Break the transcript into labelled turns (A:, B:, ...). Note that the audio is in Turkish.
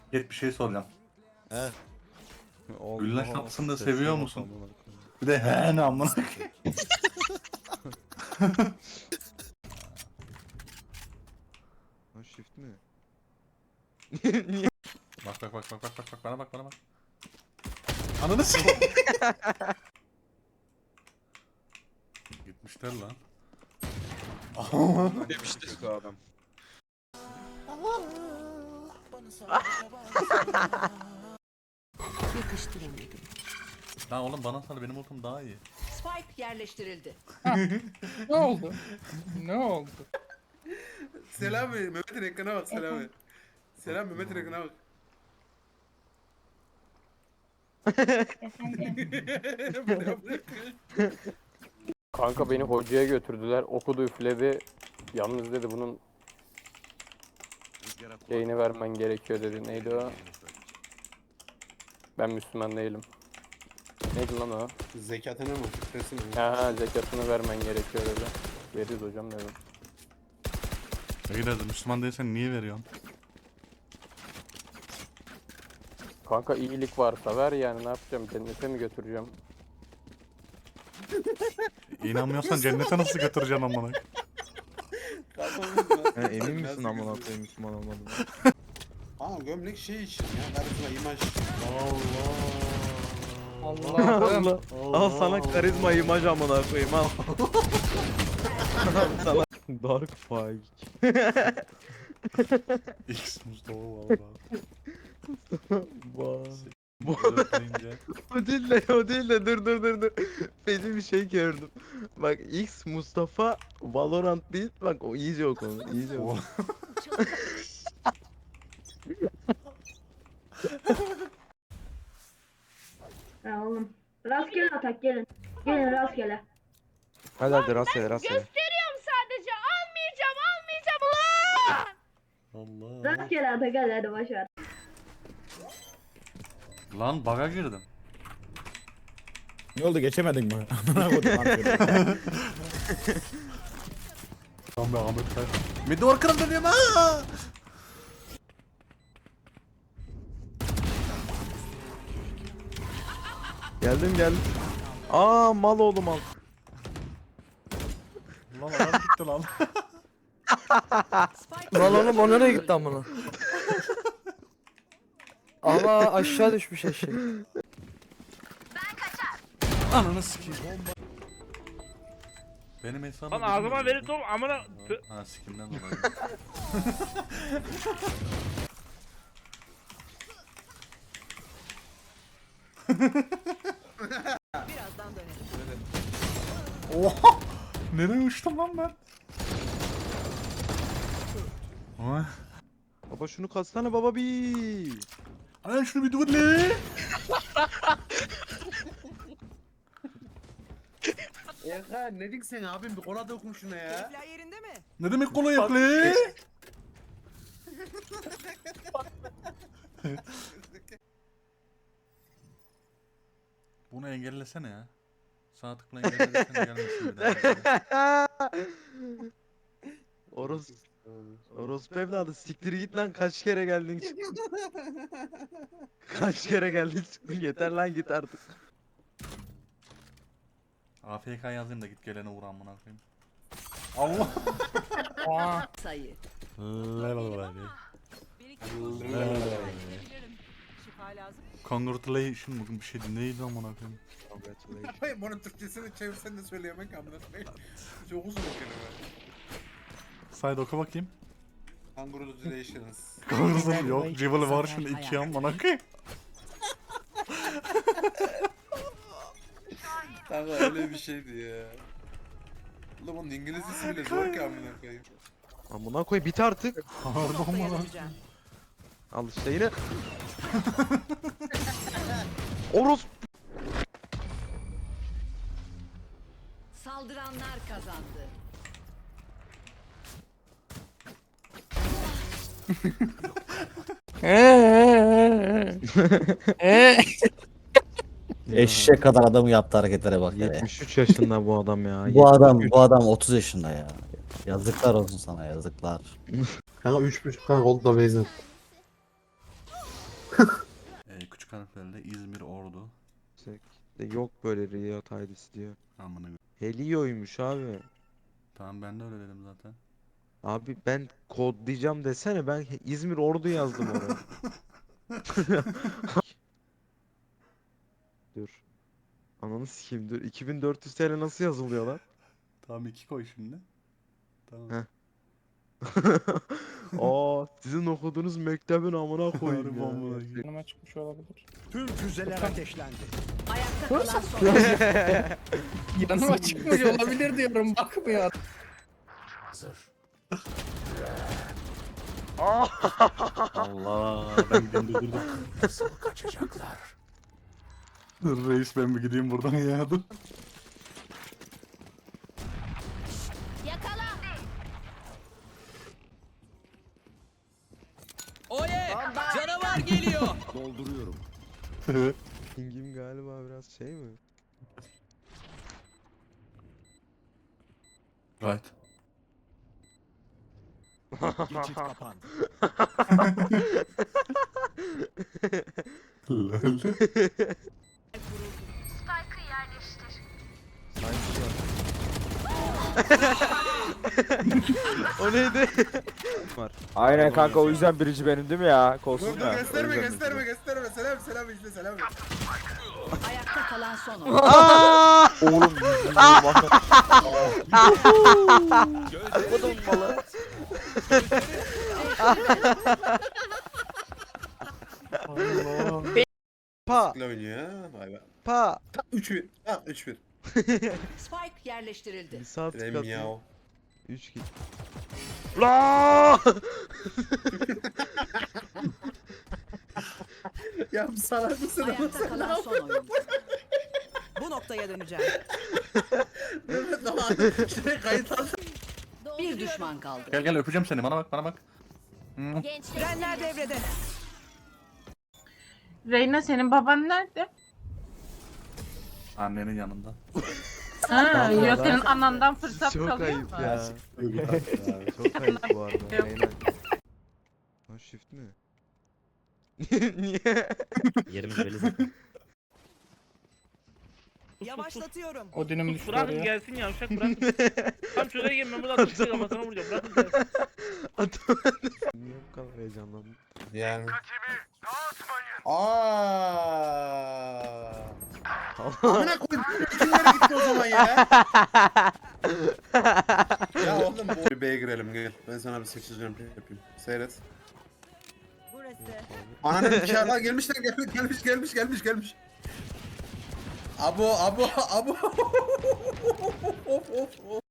A: Git bir şey soracağım.
B: He.
A: Güllaç tatlısını da seviyor musun? Bir de he ne amına.
B: Ha shift mi?
A: Bak bana bak. Ananı s***. Gitmişler lan.
B: Demiştir bu adam.
C: Yakıştıramadım.
A: Lan oğlum bana sal benim ultim daha iyi.
C: Spike yerleştirildi.
D: Ne oldu? Ne oldu?
E: Selami, Mehmet'in ekrana bak Selami. Selam Mehmet'in ekrana bak.
F: Kanka beni hocaya götürdüler. Okudu üfledi. Yalnız dedi bunun şeyini vermen gerekiyor dedi. Neydi o? Ben Müslüman değilim. Neydi lan o?
E: Zekatına mı? Fıkrasını mı?
F: Ha zekatını vermen gerekiyor dedi. Veririz hocam dedim.
A: İyi dedi Müslüman değilsen niye veriyorsun?
F: Kanka iyilik varsa ver yani ne yapacağım? Cennete mi götüreceğim?
A: İnanmıyorsan cennete nasıl götüreceksin amına?
B: Emin misin amına koyayım Müslüman olmadığını?
E: Aa gömlek şey için ya. Karizma imaj.
D: Allah'ım.
B: Al sana karizma imaj amına koyayım al. Sana Dark Fight.
A: X Mustafa valla. Dörtleyince.
B: O değil de dur. Benim bir şey gördüm. Bak X Mustafa Valorant değil bak o iyice o konu iyice o.
G: Ha oğlum. Rastgele atak gelin. Gelin rastgele.
B: Hadi rastgele.
G: Gösteriyorum sadece. Almayacağım ulan.
A: Allah.
G: Rastgele atak hadi başar.
A: Lan baga girdim.
H: Ne oldu geçemedin mi? Amına koydum lan seni.
A: Lan be Ahmet Kaya. Midi orkırım dönüyorum ha.
B: Geldim. Aa mal oğlum al.
A: Lan adam gitti lan.
C: Spike
I: Lan oğlum o nereye gitti amına? Ama aşağı düşmüş eşek.
A: Ananı sikeyim. Benim hesabım.
D: Lan ağzıma verin top amına.
A: Ha sikimden dolayı.
C: birazdan dönerim.
A: Oha! Nereye uçtum lan ben? Oy.
B: Baba şunu katsana baba bir.
A: Lan şunu bir dur lan.
E: Ya ne dik sen abim bir kola dokun şuna ya.
C: Keyifler yerinde mi?
A: Ne demek kolay yok lan? Bunu engellesene ya. Sağ tıkla engellesene gelmesin bir daha.
B: Orospu evladı siktir git lan kaç kere geldin çıktın. Kaç kere geldin çıktın yeter lan git artık.
A: AFK yazayım da git gelene vur amına koyayım. Allah.
D: Aa,
C: Sayı. Şifa lazım.
A: Congratulations bugün bir şey neydi amına koyayım.
E: Hayır bunun Türkçesini çevirsen de söyleyemek amına koyayım. Çok uzun bir kelime.
A: Sayda oku bakayım.
E: Congratulations.
A: Congratulations yok. Civil var şunu 2 amına koyayım.
E: Kanka öyle bir şeydi ya. Ulan bunun İngilizcesi bile zor ki amına koyayım.
B: Amına koy bit artık.
A: Pardon bana.
C: Dayanacağım.
B: Al işte yine. Orospu.
C: Saldıranlar kazandı.
H: Eşek kadar adamı yaptı hareketlere bak ya.
B: 73 yaşında bu adam ya.
H: Bu adam 30 yaşında ya. Yazıklar olsun sana yazıklar.
E: Kanka 3.5 kanka oldu da beyzin.
A: küçük harflerle İzmir Ordu.
B: Yok böyle Riot ID'si diyor.
A: Amına.
B: Helio'ymuş abi.
A: Tamam ben de öyle dedim zaten.
B: Abi ben kodlayacağım desene, ben İzmir Ordu yazdım oraya. Dur. Ananı sikeyim, dur. 2400 TL nasıl yazılıyor lan?
A: Tamam 2 koy şimdi. Tamam.
B: Heh. Aa, sizin okuduğunuz mektebin amına koyayım
A: Harbi
B: ya.
A: amına koyayım.
D: Yanıma çıkmış olabilir.
J: Tüm füzeler ateşlendi.
C: Ayakta kalan son.
D: Yanıma çıkmış olabilir diyorum bakmıyor.
A: Allah ben gideyim dur. Nasıl kaçacaklar? Dur reis ben bir gideyim buradan ya dur.
J: Dolduruyorum.
B: Pingim galiba biraz şey mi?
A: Right.
J: Geçit kapandı.
A: Lol.
B: O neydi?
F: Aynen kanka, o yüzden birinci benim değil mi ya? Kolsuz
E: Dur dur gösterme gösterme gösterme. Selam selam izle selam.
C: Ayakta kalan son.
F: Oğlum
B: Pa
E: Ne oynuyor ya? Vay be.
B: pa.
E: 3-1. Ha 3-1.
C: Spike yerleştirildi.
B: Bir saat
E: Rem
B: katı.
E: yav.
B: 3 git. La!
E: Ya salak mısın?
C: Ayakta kalan son oyuncu. Bu noktaya döneceğim.
E: Mehmet Doğan. Şuraya kayıt al.
C: Bir düşman kaldı.
A: Gel gel öpeceğim seni bana bak bana bak. Hı.
C: Frenler devrede.
K: Reyna, senin baban nerede?
A: Annenin yanında.
K: Ha,
B: Allah
K: yok,
B: Allah.
K: senin anandan fırsat
B: Çok
K: kalıyor
B: ayıp
K: mu?
B: ya. Çok ayıp bu arada. Aynen. O shift mi? Niye?
I: Yerimiz belli zaten.
C: Yavaşlatıyorum.
D: Odin'im düştü
L: Bırakın
D: oraya.
L: gelsin yavşak bırakın. Tam şuraya gelin ben burada atıştı kafasına vuracağım. Bırakın gelsin.
B: Niye bu kadar heyecanlandın?
E: Yani. Aaaa. Amına koyayım. Kimlere gitti o zaman ya? Ya oğlum bu B'ye girelim gel. Ben sana bir 8 jump yapayım. Seyret.
C: Burası.
E: Ananın nikahına gelmişler gelmiş. Abo.